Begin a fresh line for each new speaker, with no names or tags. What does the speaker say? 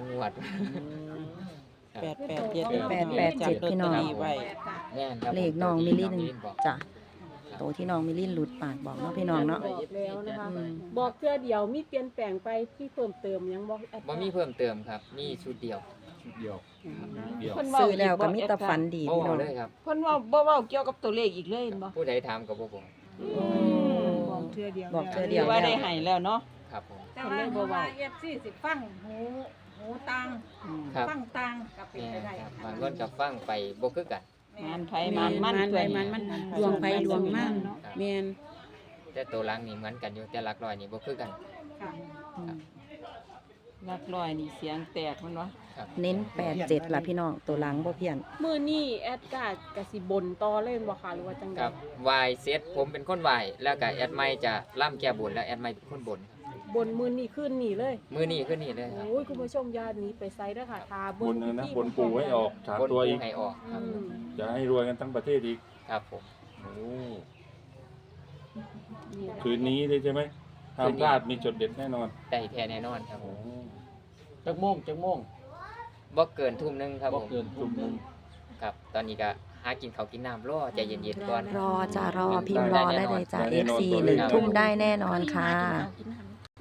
งวด
887พี่น้อง
แม่นครับ
เลขน้องมิลลิน
บอก
จ้ะโตที่น้องมิลลินหลุดปากบอกเนาะพี่น้องเนาะ
บอกแล้วนะคะ
อืม
บอกเทื่อเดียวมีเปลี่ยนแปลงไปที่เพิ่มเติมยังบอกแอด
บ่มีเพิ่มเติมครับนี่ชุดเดียว
เดียวเดียว
ซื้อแล้วก็มีแต่ฝันดี
โอ้
พี่น้อง
เลยครับ
เพิ่นว่าบ่เว้าเกี่ยวกับตัวเลขอีกเลยเห็นบ่
ผู้ใดถามก็บ่บอก
บอกเทื่อเดียว
บอกเทื่อ
ห
เดี
รื
ยว
อว่าได้ให้แล้วเนาะ
ครับผม
แต่ว่าเพราะว่า FC สิฟังหูตัง
ครับ
ฟังตังก็เป็น
แม่
ไป
น
ได้
ครับบางคนก็ฟังไปบ่คือกัน
งานไผมันมัน
ไปมันดวงไผดวงมันแม่น
แต่ตัวหลังนี่เหมือนกันอยู่แต่หลักร้อยนี่บ่คือกัน
ค่ะ
หลักร้อยนี่เสียงแตกมันวะ
ครับ
เน้น87ล่ะพี่น้องตัวหลังบ่เพี้ยน
มื้อนี้แอดกาดกสิบนต่อเล่นบ่คะหรือว่าจังได๋
ครับวายเซตผมเป็นคนวายแล้วก็แอดไมจะล่ำแก้บนแล้วแอดไมเป็นคนบนครับ
บนมื้อนี้ขึ้นนี่เลย
มือนี้ขึ้นนี่เลยครับ
โอ้ยคุณผู้ชมอย่าหนีไปไสเด้อค่ะทา
บนนะบนปูให้ออกสาม
บน
ตัวอีก
ให้ออกครับ
จะให้รวยกันทั้งประเทศอีก
ครับผม
โอ้
นี่แหละ
คืนนี้เลยใช่ไหมห้ามพลาดมีจดเด็ดแน่นอน
ได้แท้แน่นอนครับผ
โอ้
ม
จักโมง
บ่เกินทุ่มหนึงครับ
บ่
ผม
เกินทุ่มหนึง
ครับตอนนี้ก็หากินข้าวกินน้ำรอใจเย็นๆก่อน
รอจ้ะรอพิมพ์รอได้เลยจ้ะ FC 1 ทุ่มได้แน่นอนค่ะ
กินน้ำ